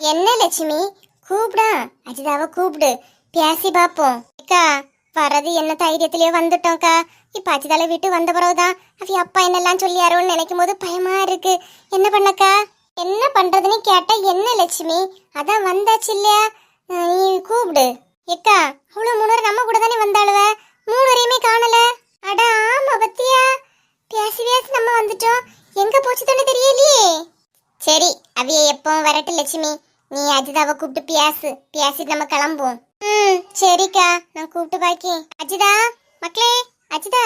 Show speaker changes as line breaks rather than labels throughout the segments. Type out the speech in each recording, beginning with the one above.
என்ன லட்சுமி கூப்பிடா? அஜிதாவை கூப்பிடு, பேசி பாப்போம். அக்கா வரது என்ன தைரியத்திலேயே வந்துட்டோம்க்கா. இப்ப அஜிதால வீட்டு வந்த பிறகுதான் அவ அப்பா என்னெல்லாம் சொல்லியாரோன்னு நினைக்கும் போது பயமா இருக்கு. என்ன பண்ணக்கா? என்ன பண்றதுன்னு கேட்டா என்ன லட்சுமி, அதான் வந்தாச்சு இல்லையா, நீ கூப்பிடு. ஏக்கா அவ்வளவு முன்னூறு நம்ம கூட தானே வந்தாளுவ, மூணுவரையுமே காணல. அட ஆமா பத்தியா, பேசி பேசி நம்ம வந்துட்டோம், எங்க போச்சு தானே தெரியலையே. சரி அவிய எப்பவும் வரட்டு லட்சுமி, நீ அஜிதாவை கூப்பிட்டு பேசிட்டு நம்ம கிளம்புவோம். சரிக்கா, நான் கூப்பிட்டு பாக்கி. அஜிதா மக்களே, அஜிதா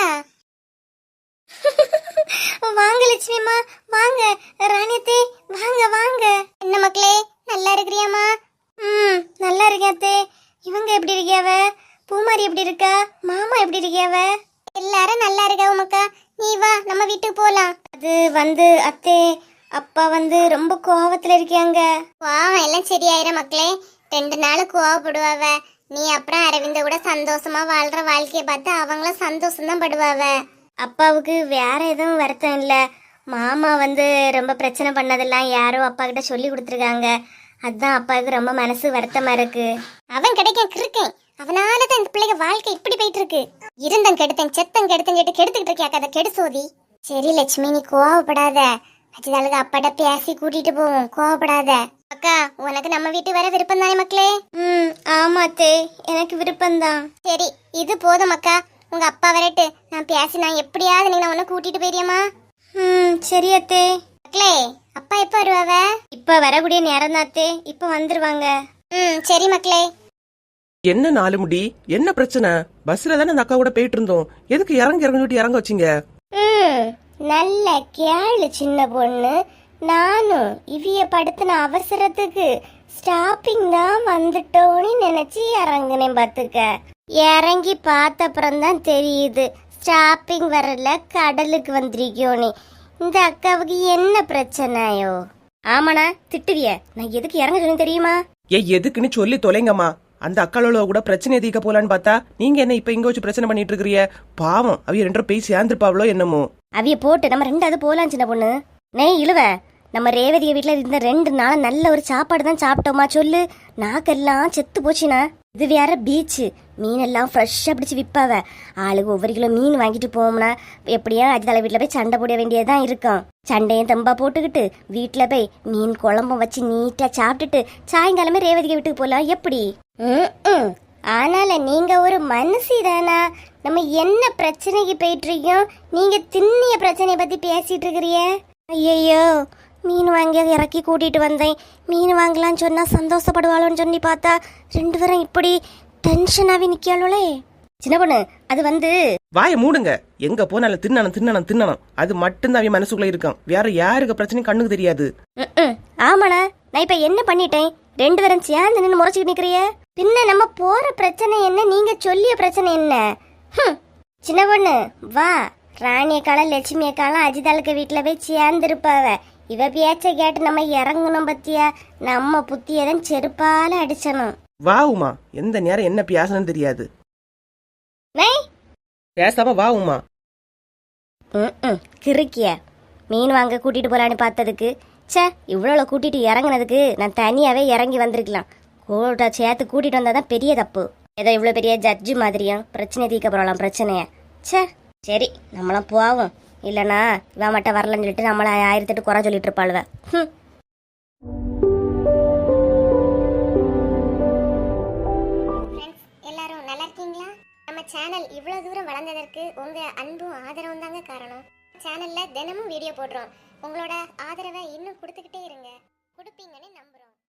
வாங்க லட்சுமிமா, வாங்க ராணியத்தே, வாங்க வாங்க. என்ன மக்களே நல்லா இருக்கிறியாமா? நல்லா இருக்கே. இவங்க எப்படி இருக்கியாவ? பூமாரி எப்படி இருக்கா? மாமா எப்படி இருக்கியாவ? எல்லாரும் நல்லா இருக்கா உமக்கா. நீ வா நம்ம வீட்டுக்கு போலாம். அது அத்தே அப்பா ரொம்ப கோவத்துல இருக்கியாங்க. கோவம் எல்லாம் சரியாயிரும் மக்களே, 2 நாள் கோவப்படுவாவ. நீ அப்புறம் அரவிந்த கூட சந்தோஷமா வாழ்ற வாழ்க்கைய பார்த்து அவங்களும் சந்தோஷம் தான் படுவாவ. அப்பாவுக்கு வேற எதுவும் வருத்தம் இல்ல. மாமா ரொம்ப பிரச்சனை பண்ணதெல்லாம் யாரோ அப்பா கிட்ட சொல்லி கொடுத்துருக்காங்க. அதுதான் அப்பாவுக்கு ரொம்ப மனசு வருத்தமா இருக்கு. அவன் கிடைக்கும் கிருக்கேன், அவனாலதான் இந்த பிள்ளைங்க வாழ்க்கை இப்படி போயிட்டு இருக்கு. இருந்தம் கெடுத்தேன் செத்தம் கெடுத்தேன் கேட்டு கெடுத்துக்கிட்டு இருக்கியா கதை கெடு சோதி. சரி லட்சுமி நீ கோவப்படாத, அஜிதாளுக்கு அப்பாட்ட பேசி கூட்டிட்டு போவோம், கோவப்படாத. அக்கா உனக்கு நம்ம வீட்டு வர விருப்பம் தானே மக்களே? ஆமாத்தே எனக்கு விருப்பம்தான். சரி இது போதும் அக்கா, உங்க அப்பா வரட்டு, நான் பேசி நான் எப்படியாவது நீங்க உன்னை கூட்டிட்டு போயிரியம்மா. சரி அத்தே. மக்களே அப்பா எப்ப வருவாவ? இப்ப வரக்கூடிய நேரம் தாத்தே, இப்ப வந்துருவாங்க. சரி மக்களே.
என்ன நாலு முடி, என்ன பிரச்சனை? பஸ்ல தானே அந்த அக்கா கூட போயிட்டு இருந்தோம், எதுக்கு இறங்க வச்சீங்க?
நல்ல கேளு சின்ன பொண்ணு, நானும் இவிய படுத்தின அவசரத்துக்கு ஸ்டாப்பிங் தான் வந்துட்டோன்னு நினைச்சு இறங்குனேன் பாத்துக்க. இறங்கி பார்த்தப்புறம் தான் தெரியுது ஸ்டாப்பிங் வரல, கடலுக்கு வந்திருக்கோன்னு. இந்த அக்காவுக்கு என்ன பிரச்சனையோ? ஆமாண்ணா திட்டுவிய, நான் எதுக்கு இறங்க சொன்னேன் தெரியுமா?
எதுக்குன்னு சொல்லி தொலைங்கம்மா. அந்த அக்காளோட கூட பிரச்சனையை தீர்க்க போலான்னு பார்த்தா நீங்க என்ன இப்ப இங்க வச்சு பிரச்சனை பண்ணிட்டு இருக்கிறீங்க? பாவம் அவிய 2 பேர் சேர்ந்துருப்பாவளோ என்னமோ.
அவிய போட்டு நம்ம 2வது போலாம் சின்ன பொண்ணு. நெய் இழுவ, நம்ம ரேவதிய வீட்டுல இருந்த 2 நாள் நல்ல ஒரு சாப்பாடு தான் சாப்பிட்டோமா சொல்லு, நாக்கெல்லாம் செத்து போச்சுனா. இது வேற பீச்சு, மீனெல்லாம் ஃப்ரெஷ்ஷா பிடிச்சி விற்பாவ. ஆளுக்கு ஒவ்வொரு கிலோ மீன் வாங்கிட்டு போவோம்னா எப்படியா அஜிதால வீட்டுல போய் சண்டை போட வேண்டியதுதான் இருக்கும். சண்டையும் தம்பா போட்டுக்கிட்டு வீட்டுல போய் மீன் குழம்பும் வச்சு நீட்டா சாப்பிட்டுட்டு சாயங்காலமே ரேவதிக்கு வீட்டுக்கு போலாம் எப்படி? ஆனால நீங்க ஒரு மனுஷி தானா? நம்ம என்ன பிரச்சனைக்கு போயிட்டு இருக்கோம், நீங்க திண்ணிய பிரச்சனைய பத்தி பேசிட்டு இருக்கிறிய. ஐயோ மீன் வாங்கி இறக்கி கூட்டிட்டு வந்தேன், மீன் வாங்கலான்னு சொன்னா சந்தோஷப்படுவாளோன்னு சொல்லி பார்த்தா 2 பேரும் இப்படி டென்ஷனாவே நிக்காளே. சின்ன பொண்ணு அது
வாய மூடுங்க. எங்க போனாலும் தின்னணும் அது மட்டும்தான் அவன் மனசுக்குள்ள இருக்கும், வேற யாருக்கு பிரச்சனையும் கண்ணுக்கு தெரியாது.
ஆமாண்ணா, நான் இப்ப என்ன பண்ணிட்டேன்? 2 பேரும் சேர்ந்து நின்று முறைச்சிட்டு நிக்கிறிய. பின்ன நம்ம போற பிரச்சனை என்ன, நீங்க சொல்லிய பிரச்சனை என்ன? சின்ன பொண்ணு வா, ராணியக்காலம் லட்சுமியக்காலம் அஜிதாளுக்கு வீட்டுல போய் சேர்ந்துருப்பாவ. இவ பேச்ச கேட்டு நம்ம இறங்கணும் பத்தியா, நம்ம புத்தியதான் செருப்பால அடிச்சணும்.
வா உமா, எந்த நேரம் என்ன பேசணும்னு தெரியாது. பேசாம வா உமா.
கிறுக்கிய மீன் வாங்க கூட்டிட்டு போலான்னு பார்த்ததுக்கு சே, இவ்வளோ கூட்டிட்டு இறங்குனதுக்கு நான் தனியாவே இறங்கி வந்திருக்கலாம். கூட சேர்த்து கூட்டிட்டு வந்தாதான் பெரிய தப்பு. ஏதோ இவ்வளோ பெரிய ஜட்ஜு மாதிரியும் பிரச்சனை தீர்க்க போறலாம் பிரச்சனைய. சே சரி நம்மளாம் போவோம், இல்லைனா இவன் மட்டும் வரலன்னு சொல்லிட்டு நம்மள 1008 குறை சொல்லிட்டு இருப்பாளுவ. எல்லாரும் நல்லா இருக்கீங்களா? நம்ம சேனல் இவ்வளவு தூரம் வளர்ந்ததற்கு உங்க அன்பும் ஆதரவும் தாங்க காரணம். சேனல்ல தினமும் வீடியோ போடுறோம், உங்களோட ஆதரவை இன்னும் கொடுத்துக்கிட்டே இருங்க, கொடுப்பீங்கன்னு நம்புறேன்.